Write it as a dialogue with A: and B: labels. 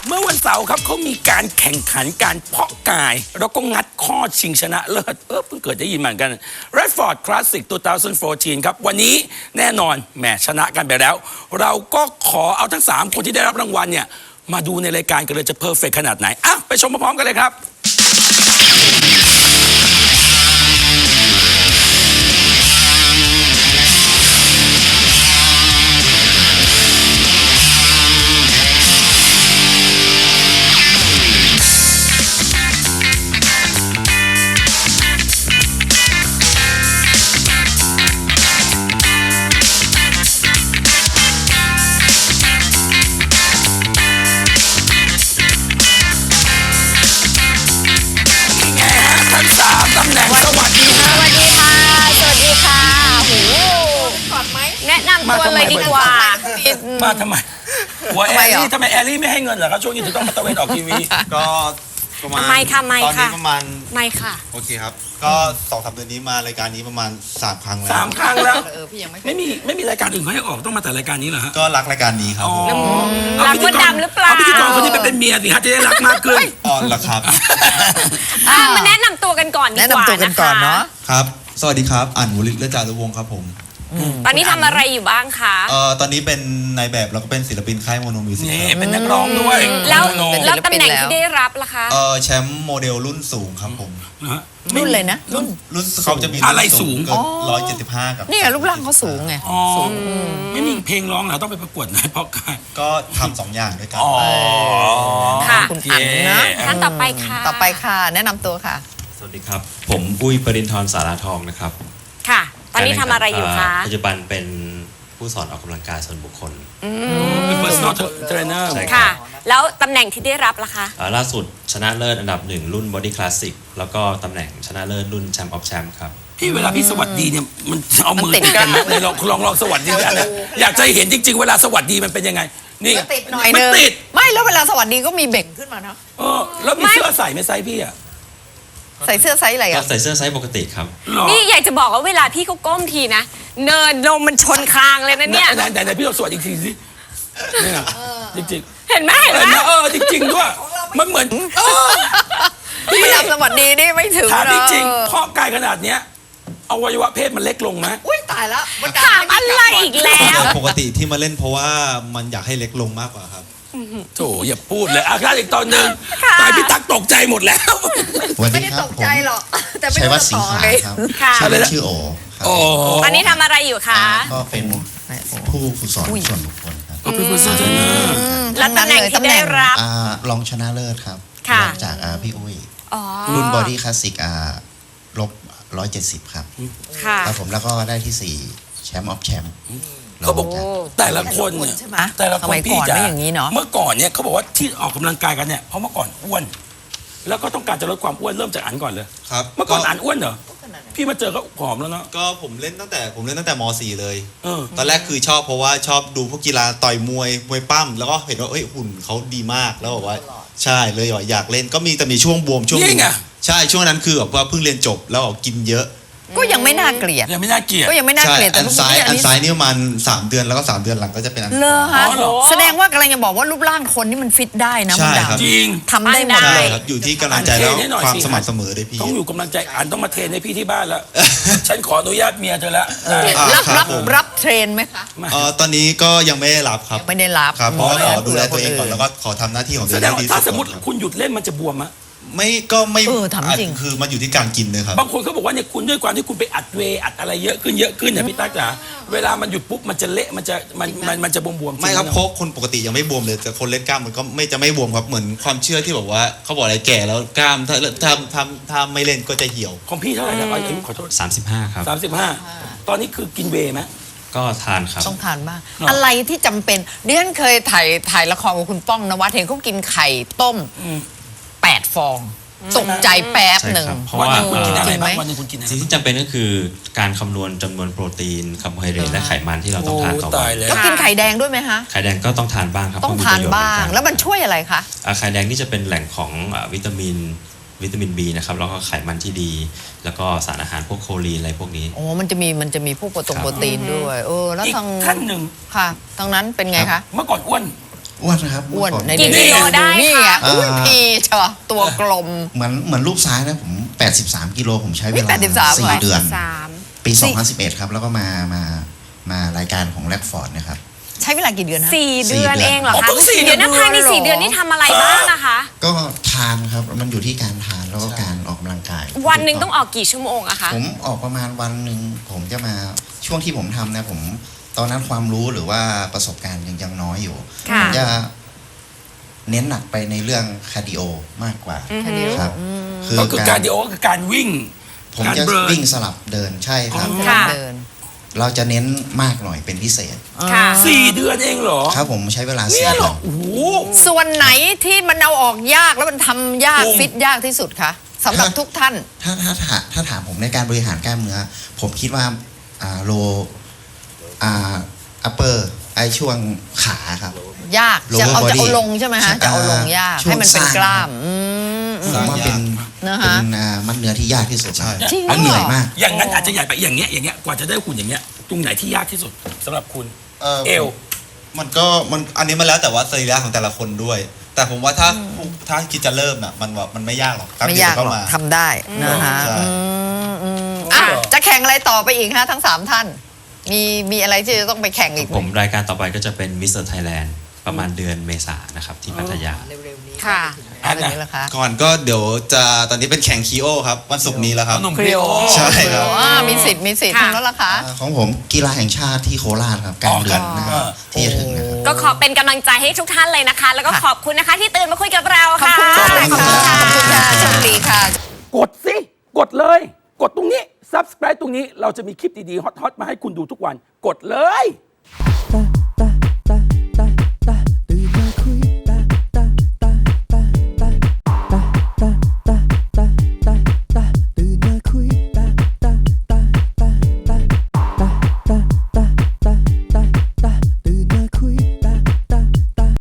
A: เมื่อวันเสาร์ครับเขามีการแข่งขันการเพาะกาย แล้วก็งัดข้อชิงชนะเลิศเพิ่งเกิดได้ยินเหมือนกัน Redford Classic 2014 ครับวันนี้แน่นอนแหมชนะกันไปแล้ว เราก็ขอเอาทั้ง 3 คนที่ได้รับรางวัลเนี่ยมาดูในรายการกันเลยจะเพอร์เฟกขนาดไหนอ่ะไปชมพร้อมๆกันเลยครับตำแหน่งสวัสดีค่ะ
B: สวัสดีค่ะ สวัสดีค่ะโหแนะนำตัวเลยดีกว่า
A: มาทำไมหัวแอลลี่ทำไมแอลลี่ไม่ให้เงินเหรอครับช่วงนี้ถึงต้องมาตะเวนออกทีวี
C: ก็ประมาณ
B: ไม่ค่ะไม่
C: ตอน
B: ค่ะ
C: นี้ประมาณ
B: ไม่ค่ะ
C: โอเคครับ ก็2-3 เดือนนี้มารายการนี้ประมาณ3 ครั้งแล้ว
A: 3 ครั้งแล้ว
B: พี่ยังไม่
A: ไม่มีรายการอื่นเขาให้ออกต้องมาแต่รายการนี้เหรอฮะ
C: ก็รักรายการนี้ครับผม
B: รักมดดำหรือเปล่า
A: เอาพิธีกรคนนี้ไปเป็นเมียสิฮะจะได้รักมากขึ้น
C: อ๋อเหรอครับ
B: มาแนะนำตัวกันก่อนดีกว่า
D: แนะนำตัวกันก่อนเนาะ
C: ครับ สวัสดีครับอ่านวลิศเลือดจารุวงศ์ครับผม
B: ตอนนี้ทำอะไรอยู่บ้างคะ
C: ตอนนี้เป็นนายแบบแล้วก็เป็นศิลปินค่ายโมโนมิวสิก
A: นี่เป็นนักร้องด้วย
B: แล้ว
A: โน
B: แล้วตำแหน่งที่ได้รับล่ะคะ
C: แชมป์โมเดลรุ่นสูงครับผม
A: นะฮะ
D: รุ่นเลยนะรุ่น
C: รุ่นเขาจะมี
A: อะไรสูง
C: เกิน175กับ
D: นี่ไงรูปร่างเขาสูงไง
A: อ๋อไม่มีเพลงร้องเหรอต้องไปประกวดไหนเพราะกัน
C: ก็ทำ2 อย่างด้วยกัน
A: อ๋อ
B: ค่ะ
D: คุณอั๋นนะ
B: ท่านต่อไปค่ะ
D: ต่อไปค่ะ แนะนำตัวค่ะ
E: สวัสดีครับ ผมปุ้ยปรินทร์สาราทองนะครับ
B: ค่ะ ตอนนี้ทำอะไรอยู่คะ
E: ปัจจุบันเป็นผู้สอนออกกำลังกายส่วนบุคคล
A: เป็น personal trainer
E: ใช่
B: ค่ะ แล้วตำแหน่งที่ได้รับล่ะคะ
E: ล่าสุดชนะเลิศอันดับ 1 รุ่น Body Classic แล้วก็ตำแหน่งชนะเลิศรุ่น Champ of Champ ครับ
A: พี่เวลาพี่สวัสดีเนี่ยมันเอามือ
D: มันติด
A: ติดกันไหมไหนลองสวัสดีกันนะอยากจะเห็นจริง ๆ เวลาสวัสดีมันเป็นยังไง นี่
D: ติดหน่อย
A: มัน
D: นึง
A: ติด
D: ไม่แล้วเวลาสวัสดีก็มีเบ่งขึ้นมาเนาะ
A: แล้วมีเสื้อใส่ไหมไซส์พี่อะ
D: ใส่เสื้อไซส์อะไร
E: ก็
D: อ่ะ
E: ใส่เสื้อไซส์ปกติครับ
A: หรอ
B: นี่อยากจะบอกว่าเวลาพี่เขาก้มทีนะ เนินลมมันชนคางเลยนะเนี่ย
A: ไหนพี่ลองสวัสดีอีกทีสิเนี่ยจริง
B: เห็นไหม
A: ๆ
B: เห็นไหม
A: จริงๆด้วยมันเหมือนพี่
D: ไม่ทำสวัสดีนี่ไม่ถึง
A: ถาม
D: เนาะ
A: จริงๆเพราะกายขนาดเนี้ยอวัยวะเพศมันเล็กลงไหม
D: อุ้ยตายแล้วมัน
B: ถามอะไรอีกแล้ว
C: ปกติที่มาเล่นเพราะว่ามันอยากให้เล็กลงมากกว่าครับ
A: โถอย่าพูดเลยถ้าอีกตอนหนึ่ง
B: ค่ะ
A: ตายพี่ตักตกใจหมดแล้ว
F: วัน
D: ไม่
F: นี้
D: ได้
F: ครั
D: ต
F: บ
D: ก
F: ผม
D: ใจหรอกแต่ไม่
F: ชัย
D: รู้
F: วัฒ
D: จะ
F: น์สิง
D: ต่อ
F: หา
D: ไง
F: ครับ
B: ค่ะ
F: ชื่อเล่นชื่อโอครับ
A: โอ้
B: ตอนนี้ทำอะไรอยู่คะ
F: ก็เป็นผู้ฝึกสอนส่วนบุคคลครับ
A: ก็เป็น personal trainer
B: แล้วตำแหน่งที่ได้รับ
F: รองชนะเลิศครับ
B: ค่ะ
F: รองจากพี่อุ้ย
B: อ๋อ
F: รุ่นบอดี้คลาสสิกลบ170 ครับ
B: ค่ะ
F: ครับผมแล้วก็ได้ที่ 4 แชมป์ออฟแชมป์
A: เขาบอกแต่ละคนเนี่ย
D: ใช่ไหม
A: แต่ละ
D: ส
A: คน
D: มัย
A: พี่
D: ก่อน
A: จะ
D: ไม่อย่างนี้เนาะ
A: เมื่อก่อนเนี่ยเขาบอกว่าที่ออกกำลังกายกันเนี่ยเพราะเมื่อก่อนอ้วน แล้วก็ต้องการจะลดความอ้วนเริ่มจากอันก่อนเลย
C: ครับ
A: เมื่อก่อนอันอ้วนเหรอพี่มาเจอก็ผอมแล้วเนาะ
C: ก็ผมเล่นตั้งแต่ม .4 เลย
A: เออ
C: ตอนแรกคือชอบเพราะว่าชอบดูพวกกีฬาต่อยมวยปั้มแล้วก็เห็นว่าเอ้ยหุ่นเขาดีมากแล้วบอกว่าใช่เลยอยากเล่นก็มีช่วงบวมช่วงหนึ
A: นี่
C: ง
A: ไง
C: ใช่ช่วงนั้นคือแบบว่าเพิ่งเรียนจบแล้วกินเยอะ
D: ก็ยังไม่น่าเกลียด
A: ยังไม่น่าเกลียด
D: ก็ยังไม่น่า
C: ใช่
D: เกลียดแต่
C: อัน
D: รูป
C: ซ้าย
D: ร่าง
C: อันซ้ายนี่ประมาณ3 เดือนแล้วก็3 เดือนหลังก็จะเป็นอัน
D: เลอ
C: ขวา
D: ฮะ
A: อ๋อเหรอ
D: แสดงว่ากำลังจะบอกว่ารูปร่างคนนี่มันฟิตได้นะ
C: ใช่
D: มัน
C: ครับ
A: จริง
D: ทำได้หมด
C: ใช่
D: เลย
C: ครับอยู่ที่กำลังใจแล้ว
A: อันเทรนให้หน่อย
C: ความ
A: สิ
C: สม่ำเสมอด้วยพี่
A: ต้องอยู่กำลังใจอันต้องมาเทรนให้พี่ที่บ้านแล้ว ฉันขออนุญาตเมียเธอแล้ว
D: รับเทรนไหมคะ
C: ตอนนี้ก็ยังไม่ได้รับครับ
D: ไม่ได้รับ
C: ครับเพราะว่าขอดูแล
D: เผื่
C: ตัวเองก่อน
D: ค
C: แล้วก็ขอทำหน้าที่ของตั
A: แส
C: วเอง
A: ดง
C: ให้
A: ว่า
C: ดี
A: ถ้า
C: สุด
A: สมมติ
C: ก่อน
A: คุณหยุดเล่นมันจะบวมอะ
C: ไม่
D: ถามจริง
C: คือมันอยู่ที่การกินเลยครับ
A: บางคนเขาบอกว่าเนี่ยคุณด้วยความที่คุณไปอัดเวย์อัดอะไรเยอะขึ้นเนี่ยพี่ตั๊กจ๋าเวลามันหยุดปุ๊บมันจะเละมันจะบวมๆ
C: ไม่ครับ
A: จงๆ
C: เพราะคนปกติยังไม่บวมเลยแต่คนเล่นกล้ามมันก็ไม่บวมครับเหมือนความเชื่อที่แบบว่าเขาบอกอะไรแก่แล้วกล้ามถ้าไม่เล่นก็จะเหี่ยว
A: ของพี่เท่าไหร่นะอายุขอโทษ
E: 35 ครับ
A: 35 ตอนนี้คือกินเวย์ไหม
E: ก็ทานครับ
D: ต้องทานบ้าง
A: หรออ
D: อะไรที่จำเป็นดิฉันเคยถ่ายละครกับคุณป้องนวัดเห็นเขากินไข่ต้ม8 ฟองตกใจแป๊บหนึ่ง
E: ใช่ครับเพราะ
A: วัน
E: ว่า
A: หนึงคุณกินอะไร
D: จริงไหม
A: บ้างวันหนึงคุณกินอะไร
E: สิ่งที่จำเป็นก็คือการคำนวณจำนวนโปรตีนคาร์โบไฮเดรตและไขมันที่เราต้องทานต่อ
A: โอ้
E: วั
A: ตาย
E: น
A: แล้ว
D: แล้วกินไข่แดงด้วยไหมฮะ
E: ไข่แดงก็ต้องทานบ้างครับ
D: ต้อง
E: เพระ
D: ทาน
E: ประโยช
D: บ้าง
E: เหมือนกัน
D: แล้วมันช่วยอะไรคะ
E: ไข่แดงนี่จะเป็นแหล่งของวิตามิน B นะครับแล้วก็ไขมันที่ดี แล้วก็สารอาหารพวกโคลีนอะไรพวกนี้
D: โอ้มันจะมีพวกโปรตีนด้วยแล้ว
A: อีก
D: ทาง
A: ท่านหนึ่ง
D: ค่ะทางนั้นเป็นไงคะ
A: เมื่อก่อนอ้วน
F: อ้วนนะครับ
D: อ้วน
F: เมื่ก่
D: ใน
B: กี่กิโลได้
D: นี่
B: คะ
D: ไงอุ้ยพีใช่ปะตัวกลม
F: เหมือนรูปซ้ายนะผม 83 กิโลผมใช้เวลา
D: 83
F: 4 เดือน
B: 3
F: ปี 2011 ครับ แล้วก็มารายการของแรดฟอร์ดนะครับ
D: ใช้เวลากี่เดือนนะ
B: 4 เดือนเองเหรอ
A: อ๋อ
B: คะ
A: เพิ่ง4
B: เดี๋ยวนะ
D: เดือน
B: ภายใน
D: เหรอ
B: 4 เดือนนี่ทำอะไรบ้างนะคะ
F: ก็ทานครับ มันอยู่ที่การทานแล้วก็การออกกำลังกาย
B: วันหนึ่งต้องออกกี่ชั่วโมงอะคะ
F: ผมออกประมาณวันหนึ่งผมจะมาช่วงที่ผมทำนะผมตอนนั้นความรู้หรือว่าประสบการณ์ยังน้อยอยู่
B: ค่ะ
F: ผมจะเน้นหนักไปในเรื่องคาร์ดิโอมากกว่า
B: อือฮึ
F: ครับ
A: ก็คือการดิโอก็คือการวิ่ง
F: ผม
A: การ
F: จะ
A: เบิร์น
F: วิ่งสลับเดินใช่ครับ
B: ค่ะ
D: เดิน
F: เราจะเน้นมากหน่อยเป็นพิเศษ
B: ค่ะ
A: 4 เดือนเองเหรอ
F: ครับผมใช้เวลา
A: เนี่
F: 4
A: ยเหร
F: เดื
A: อ
F: อน
A: โอ้โห
D: ส่วนไหนที่มันเอาออกยากแล้วมันทำยาก
A: ภูมิ
D: ฟิตยากที่สุดคะสำหรับทุกท่าน
F: ถ้าถามผมในการบริหารกล้ามเนื้อ ผมคิดว่าโลอัปเปอร์ไอช่วงขาครับ
D: ยาก
F: Lower
D: จะเอา
F: body
D: ลงใช่ไหมฮะ
F: ใช่
D: จะเอาลงยาก
F: ช่วง
D: ให้มันเป็น
F: สร้าง
D: กล้าม
F: ผมว่าเป็น
D: นะฮะ
F: เป็นมัดเนื้อที่ยากที่สุด
C: ใช่
D: จริง
F: และเหนื่อยมาก
A: อย่างนั้นอาจจะใหญ่ไปอย่างเงี้ยกว่าจะได้หุ่นอย่างเงี้ยตรงไหนที่ยากที่สุดสำหรับคุณ เอว
C: มันอันนี้มันแล้วแต่ว่าสรีระของแต่ละคนด้วย แต่ผมว่าถ้าคิดจะเริ่มน่ะมันไม่ยากหรอกแป๊บ
D: ไม่
C: เดีวย
D: าก
C: ก็
D: หรอก
C: มา
D: ทำได้นะฮะ
C: ใช่
D: อ่ะจะแข่งอะไรต่อไปอีกฮะทั้ง 3 ท่าน มีอะไรที่จะต้องไปแข่งอีกไห
E: ผมรายการต่อไปก็จะเป็นมิสเตอร์ไทยแลนด์ประมาณเดือนเมษายนนะครับที่พัทยา
D: เร็วๆนี้
B: ค่ะ
D: อะไรนี้ละคะ
C: ก่อนก็เดี๋ยวจะตอนนี้เป็นแข่งคีโอครับวันศุกร์นี้แล้วครับ
A: หนุ่มครีโอ
C: ใช่ครับ
D: มีสิทธิ์
B: ค่ะ
D: ทางแล้วล่ะคะ
F: ของผมกีฬาแห่งชาติที่โคราชครับกลางเดือนนะครับ
A: อ๋อ
F: ที่จะถึงนะครับ
B: ก็ขอเป็นกำลังใจให้ทุกท่านเลยนะคะ แล้วก็
D: ค่ะ
B: ขอบคุณนะคะที่ตื่นมาคุยกับเรา
D: ขอบ
B: ค่ะ
D: คุณค่ะขอบคุณค่ะโชคดีค่ะ
A: กดสิ กดเลย กดตรงนี้ subscribe ตรงนี้เราจะมีคลิปดีๆ ฮอตๆ มาให้คุณดูทุกวัน กดเลย